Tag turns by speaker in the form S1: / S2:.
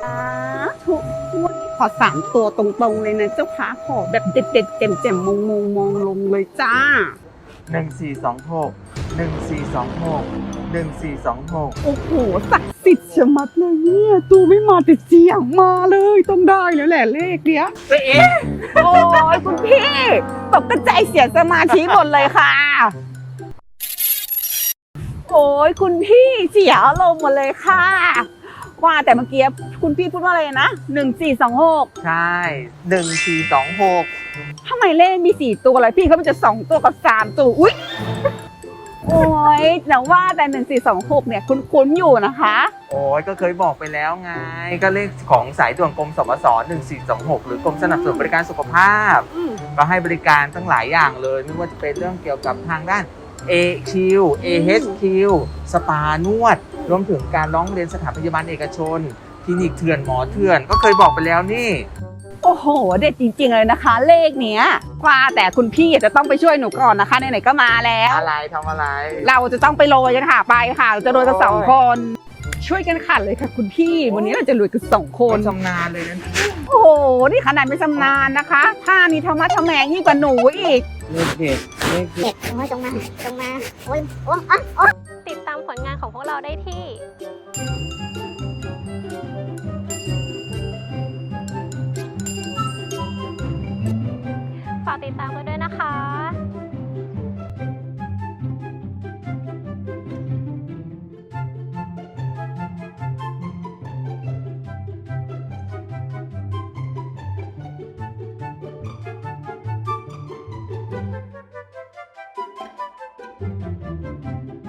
S1: ทุกวันนี้ขอ3 ตัวตรงๆเลยนะเจ้าค่ะขอแบบเด็ดๆแจ่มๆมองลงเลยจ้า
S2: 1426
S1: โอ้โหศักดิ์สิทธิ์ชะมัดเลยเนี่ยตูไม่มาแต่เสียงมาเลยต้องได้แล้วแหละเลขเนี้ยเอ๊ะโอ้ยคุณพี่ตกกระจายเสียสมาธิหมดเลยค่ะโอ้ยคุณพี่เสียอารมณ์หมดเลยค่ะว่าแต่เมื่อกี้คุณพี่พูดว่าอะไรนะ1426
S2: ใช่1426
S1: ทำไมเลขมี4 ตัวเลยพี่เขามันจะ2 ตัวกับ3 ตัวอุ๊ยโอ้ยแต่ว่าแต่1426เนี่ยคุ้นๆอยู่นะคะ
S2: โอ้ยก็เคยบอกไปแล้วไงก็เลขของสายด่วนกรมสมส1426หรือกรมสนับสนุนบริการสุขภาพก็ให้บริการตั้งหลายอย่างเลยไม่ว่าจะเป็นเรื่องเกี่ยวกับทางด้าน AQ AHQ สปานวดรวมถึงการร้องเรียนสถานพยาบาลเอกชนคลินิกเถื่อนหมอเถื่อนก็เคยบอกไปแล้วนี่
S1: โอ้โหเด็ดจริงๆเลยนะคะเลขเนี้ยว่าแต่คุณพี่จะต้องไปช่วยหนูก่อนนะคะไหนๆก็มาแล้ว
S2: อะไรทำอะไร
S1: เราจะต้องไปโรยกันค่ะไปค่ะเราจะโรยกัน2 คนช่วยกันขัดเลยค่ะคุณพี่วันนี้เราจะโรยกัน2 คน
S2: ชำนาญเลยนะ
S1: โอ้โหนี่ขนาดไม่ชำนาญนะคะท่านี้ธรรมะทะแมงยิ่งกว่าหนูอีก
S2: เลขเด็ดเลขเด็ด
S3: โอ้ยตรงมาโอ้ยโอ้ย
S4: ติดตามผลงานของพวกเราได้ที่ฝากติดตามกันด้วยนะคะ